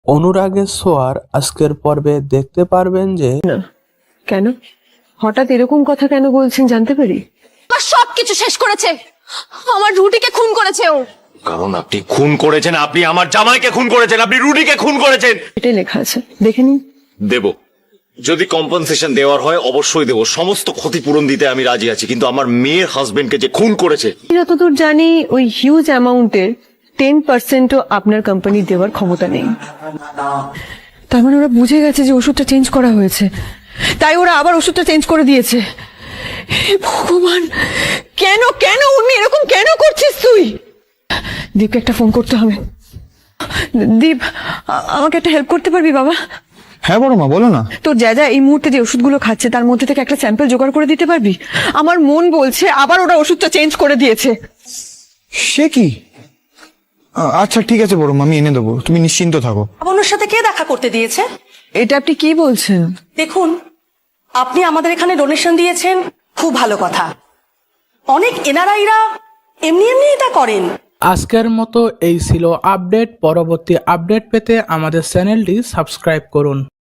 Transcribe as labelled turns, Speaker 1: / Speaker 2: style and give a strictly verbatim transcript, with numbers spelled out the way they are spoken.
Speaker 1: অনুরাগের ছোঁয়ার আজকের পর্বে দেখতে পারবেন যে
Speaker 2: না কেন হঠাৎ এরকম কথা কেন বলছেন জানতে পারি?
Speaker 3: আমার সবকিছু শেষ করেছে, আমার রুটিকে খুন করেছে ও।
Speaker 4: কারণ আপনি খুন করেছেন, আপনি আমার জামাইকে খুন করেছেন, আপনি রুটিকে খুন করেছেন।
Speaker 2: এটাই লেখা আছে, দেখে নিন।
Speaker 4: দেব, যদি কম্পেনসেশন দেওয়ার হয় অবশ্যই দেব, সমস্ত ক্ষতিপূরণ দিতে আমি রাজি আছি, কিন্তু আমার মেয়ের হাজবেন্ডকে যে খুন করেছে,
Speaker 2: যতদূর জানি ওই হিউজ অ্যামাউন্টের টেন পার্সেন্টও আপনার কোম্পানি দেওয়ার ক্ষমতা নেই। তার মানে ওরা বুঝে গেছে যে ওষুধটা চেঞ্জ করা হয়েছে, তাই ওরা আবার ওষুধটা চেঞ্জ করে দিয়েছে। হে ভগবান, কেন কেন উনি এরকম কেন করছিস তুই? দীপকে একটা ফোন করতে হবে। দীপ, আ- আমাকে একটা হেল্প করতে পারবি বাবা?
Speaker 5: হ্যাঁ বড় মা, বলো না।
Speaker 2: তোর যা যা এই মুহূর্তে যে ওষুধগুলো খাচ্ছে তার মধ্যে থেকে একটা স্যাম্পল জোগাড় করে দিতে পারবি? আমার মন বলছে আবার ওরা ওষুধটা চেঞ্জ করে দিয়েছে।
Speaker 5: সে কি? আ- আচ্ছা ঠিক আছে বড় মা, আমি এনে দেবো, তুমি নিশ্চিন্ত থাকো।
Speaker 6: আপনার সাথে কে দেখা করতে দিয়েছে?
Speaker 2: এটা আপনি কি বলছেন?
Speaker 6: দেখুন, আপনি আমাদের এখানে ডোনেশন দিয়েছেন, খুব ভালো কথা। অনেক এনআরআইরা এমনি এমনি এটা করেন।
Speaker 1: আজকের মতো এই ছিল আপডেট। পরবর্তী আপডেট পেতে আমাদের চ্যানেলটি সাবস্ক্রাইব করুন।